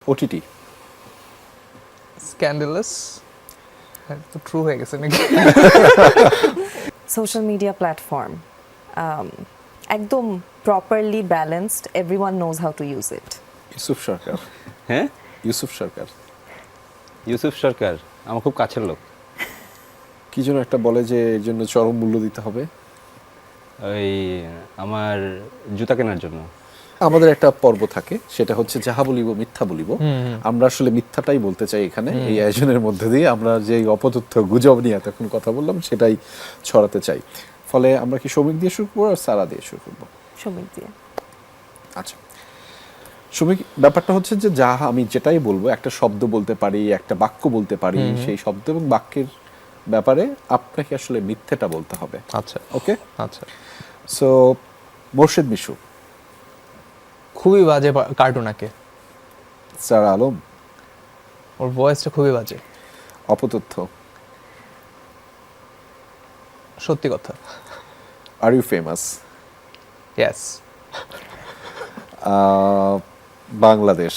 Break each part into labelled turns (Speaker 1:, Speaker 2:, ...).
Speaker 1: OTT
Speaker 2: scandalous তো true হয়ে গেছে নাকি?
Speaker 3: সোশ্যাল মিডিয়া প্ল্যাটফর্ম একদম properly balanced, everyone knows how to use it.
Speaker 1: Yusuf Sarkar.
Speaker 4: হ্যাঁ,
Speaker 1: ইউসুফ সরকার
Speaker 4: ইউসুফ সরকার আমার খুব কাছের লোক।
Speaker 1: কি যেন একটা বলে যে এর জন্য চরম মূল্য দিতে হবে।
Speaker 4: ওই আমার জুতা কেনার জন্য।
Speaker 1: আমাদের একটা পর্ব থাকে, সেটা হচ্ছে যাহা বলিব মিথ্যা বলিব। আমরা আসলে মিথ্যাটাই বলতে চাই এখানে, এই আয়োজনের মধ্যে দিয়ে আমরা যে অপতথ্য গুজব নিয়ে এতক্ষণ কথা বললাম সেটাই ছড়াতে চাই। ফলে আমরা কি শ্রমিক দিয়ে শুরু করবো আর সারা দিয়ে শুরু করবো?
Speaker 3: শ্রমিক দিয়ে।
Speaker 1: আচ্ছা, শ্রমিক ব্যাপারটা হচ্ছে যে যাহা আমি যেটাই বলবো, একটা শব্দ বলতে পারি, একটা বাক্য বলতে পারি, সেই শব্দ এবং বাক্যের ব্যাপারে আপনাকে আসলে মিথ্যেটা বলতে হবে।
Speaker 2: আচ্ছা
Speaker 1: ওকে,
Speaker 2: আচ্ছা।
Speaker 1: সো মোর্শেদ মিশু।
Speaker 2: খুবই বাজে কার্টুন আঁকে,
Speaker 1: সারা আলম।
Speaker 2: ওর ভয়েসটা খুবই বাজে।
Speaker 1: অপতথ্য।
Speaker 2: সত্যি কথা।
Speaker 1: Are you famous?
Speaker 2: Yes.
Speaker 1: Bangladesh.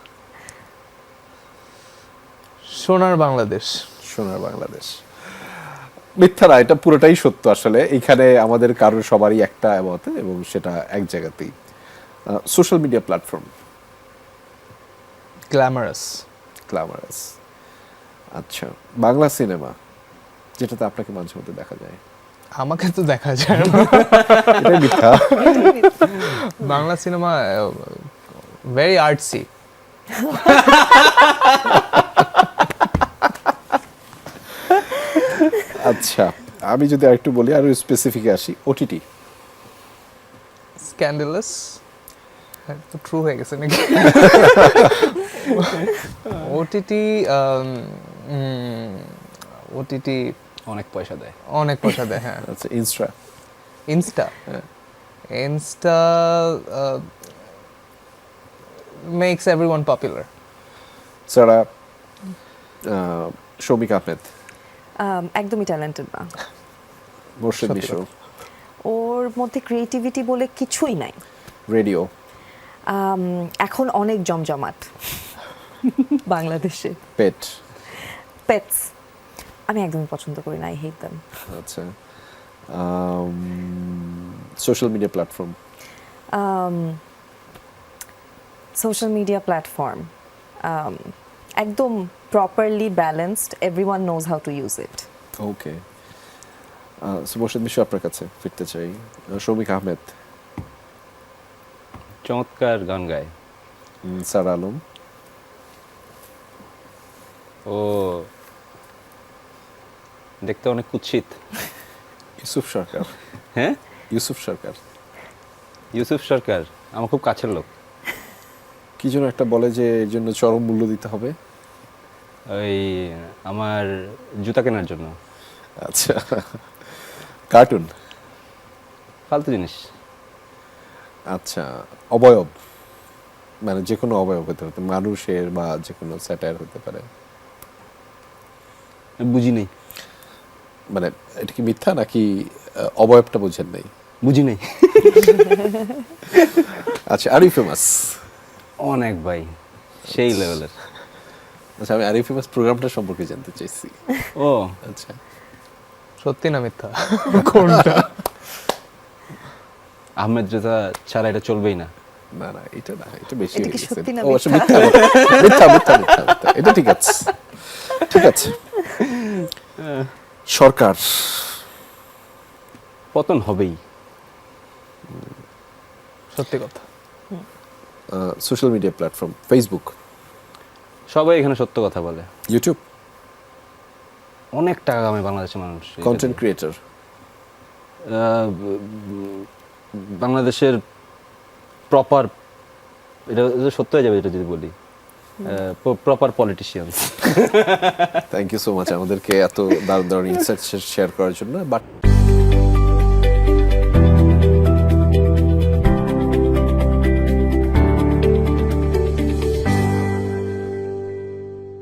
Speaker 2: সোনার বাংলাদেশ।
Speaker 1: সোনার বাংলাদেশ। মিথ্যা না, এটা পুরোটাই সত্য। আসলে এইখানে আমাদের কারোর সবারই একটা মত, এবং সেটা এক জায়গাতেই। Social media platform.
Speaker 2: Glamorous.
Speaker 1: Glamorous. আচ্ছা, বাংলা সিনেমা যেটাতে আপনাকে মাঝে মধ্যে দেখা যায়।
Speaker 2: আমাকে তো দেখা যায় না।
Speaker 1: এটাই মিথ্যা।
Speaker 2: Bangla cinema very artsy.
Speaker 1: আচ্ছা, আমি যদি আরেকটু বলি, আরো স্পেসিফিক আসি, ওটিটি।
Speaker 2: স্ক্যান্ডালাস তো ট্রু হয়ে গেছে নাকি? ওটিটি ওটিটি
Speaker 4: অনেক পয়সা দেয়।
Speaker 2: অনেক পয়সা দেয়। হ্যাঁ।
Speaker 1: আচ্ছা, ইনস্টা।
Speaker 2: ইনস্টা।
Speaker 1: হ্যাঁ।
Speaker 2: Insta makes everyone popular.
Speaker 1: ছাড়া শৌমিক আহমেদ।
Speaker 3: একদমই ট্যালেন্টেড না।
Speaker 1: মোর্শেদ
Speaker 2: সত্যি
Speaker 1: মিশু।
Speaker 3: ওর মধ্যে ক্রিয়েটিভিটি বলে কিছুই নাই।
Speaker 1: রেডিও।
Speaker 3: এখন অনেক জমজমাট বাংলাদেশে।
Speaker 1: পেট।
Speaker 3: পেটস আমি একদমই পছন্দ করি না, আই হেট দেম।
Speaker 1: আচ্ছা, social media platform.
Speaker 3: Social media platform একদম properly balanced, everyone knows how to use it.
Speaker 1: Okay, Morshed Mishu আপনার কাছে ফিরতে চাই। শৌমিক আহমেদ।
Speaker 4: চমৎকার গান গায়।
Speaker 1: সারা আলম।
Speaker 4: ও দেখতে অনেক কুৎসিত।
Speaker 1: ইউসুফ সরকার।
Speaker 4: হ্যাঁ,
Speaker 1: ইউসুফ সরকার।
Speaker 4: ইউসুফ সরকার আমার খুব কাছের লোক।
Speaker 1: কি যেন একটা বলে যে এর জন্য চরম মূল্য দিতে হবে।
Speaker 4: ওই আমার জুতা কেনার জন্য।
Speaker 1: আচ্ছা, কার্টুন।
Speaker 4: ফালতু জিনিস।
Speaker 1: আচ্ছা, অবয়ব, মানে যে কোনো অবয়ব হতে হতে, মানুষের বা যে কোনো স্যাটায়ার হতে পারে।
Speaker 4: বুঝি নেই।
Speaker 1: মানে এটা কি মিথ্যা নাকি অবয়বটা বোঝেন নাই?
Speaker 4: বুঝি নেই।
Speaker 1: আচ্ছা, আর ইউ ফেমাস।
Speaker 4: অনেক ভাই, সেই লেভেলের।
Speaker 1: আচ্ছা, আমি আর ইউ ফেমাস প্রোগ্রামটা সম্পর্কে জানতে চাইছি।
Speaker 4: ও
Speaker 1: আচ্ছা,
Speaker 2: সত্যি না মিথ্যা? কোনটা?
Speaker 4: আহমেদ রেজা ছাড়া এটা চলবেই না।
Speaker 1: না না, এটা না, এটা বেশি
Speaker 3: এটা
Speaker 1: হয়ে
Speaker 3: কি
Speaker 1: গেছে।
Speaker 3: সত্যি না
Speaker 1: ও, আচ্ছা,
Speaker 3: মিথ্যা?
Speaker 1: মিথ্যা মিথ্যা মিথ্যা মিথ্যা, এটা ঠিক আছে, ঠিক আছে। সরকার।
Speaker 4: পতন হবেই।
Speaker 2: সত্যি কথা।
Speaker 1: Social media platform, Facebook.
Speaker 4: সবাই এখানে সত্য কথা বলে।
Speaker 1: ইউটিউব।
Speaker 4: অনেক টাকা কামায় বাংলাদেশের মানুষ।
Speaker 1: Content creator.
Speaker 4: বাংলাদেশের প্রপার, এটা সত্য হয়ে যাবে এটা যদি বলি, proper politician.
Speaker 1: Thank you so much আমাদেরকে এত দারুণ দারুণ ইনসাইটস শেয়ার করার জন্য। বাট